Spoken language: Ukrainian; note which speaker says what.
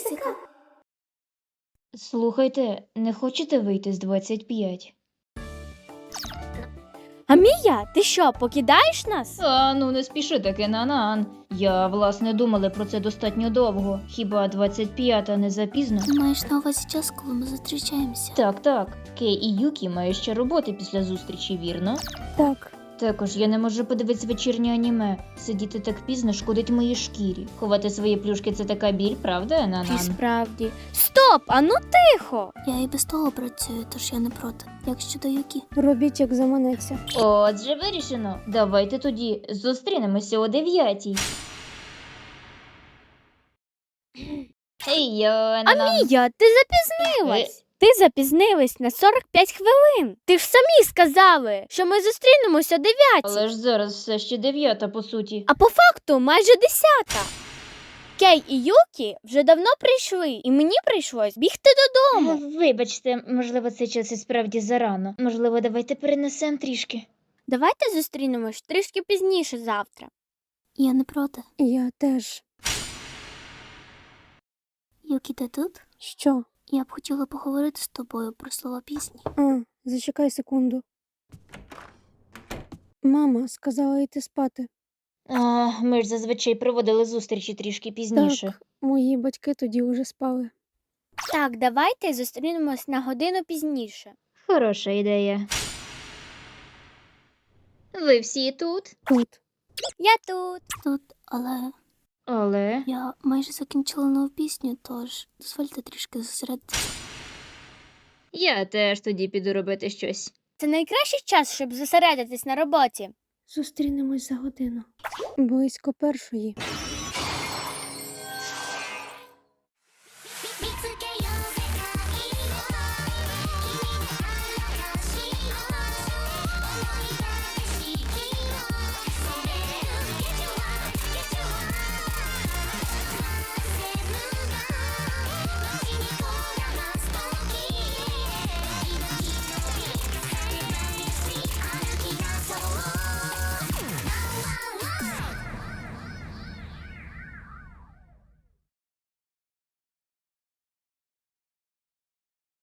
Speaker 1: фізика.
Speaker 2: Слухайте, не хочете вийти з 25?
Speaker 3: А Мія, ти що, покидаєш нас?
Speaker 2: Ну не спіши таки, Нанан. Я, власне, думала про це достатньо довго. Хіба 25-та не запізно?
Speaker 1: Ти маєш на увазі час, коли ми зустрічаємося?
Speaker 2: Так. Кей і Юкі мають ще роботи після зустрічі, вірно?
Speaker 3: Так.
Speaker 2: Також я не можу подивитися вечірнє аніме. Сидіти так пізно шкодить моїй шкірі. Ховати свої плюшки – це така біль, правда,
Speaker 3: І
Speaker 2: Нанан?
Speaker 3: справді. Стоп, а ну тихо!
Speaker 1: Я і без того працюю, тож я не проти. Як щодо Юкі?
Speaker 4: Робіть, як заманеться.
Speaker 2: Отже, вирішено. Давайте тоді зустрінемося о 9-й. Ей, Нанан.
Speaker 3: Мія, ти запізнилась! Ти запізнилась на 45 хвилин. Ти ж самі сказали, що ми зустрінемося о 9.
Speaker 2: Але ж зараз все ще 9-та, по суті.
Speaker 3: А по факту майже 10. Кей і Юкі вже давно прийшли, і мені прийшлось бігти додому.
Speaker 2: Вибачте, можливо, цей час і справді зарано. Можливо, давайте перенесемо трішки.
Speaker 3: Давайте зустрінемось трішки пізніше завтра.
Speaker 1: Я не проти.
Speaker 4: Я теж.
Speaker 1: Юкі, ти тут?
Speaker 4: Що?
Speaker 1: Я б хотіла поговорити з тобою про слова пісні.
Speaker 4: Зачекай секунду. Мама сказала йти спати.
Speaker 2: Ми ж зазвичай проводили зустрічі трішки пізніше.
Speaker 4: Так, мої батьки тоді уже спали.
Speaker 3: Так, давайте зустрінемось на годину пізніше.
Speaker 2: Хороша ідея. Ви всі тут?
Speaker 4: Тут.
Speaker 3: Я тут.
Speaker 1: Тут, але
Speaker 2: Але...
Speaker 1: я майже закінчила нову пісню, тож дозвольте трішки зосередитися.
Speaker 2: Я теж тоді піду робити щось.
Speaker 3: Це найкращий час, щоб зосередитись на роботі.
Speaker 4: Зустрінемось за годину. Близько 1:00.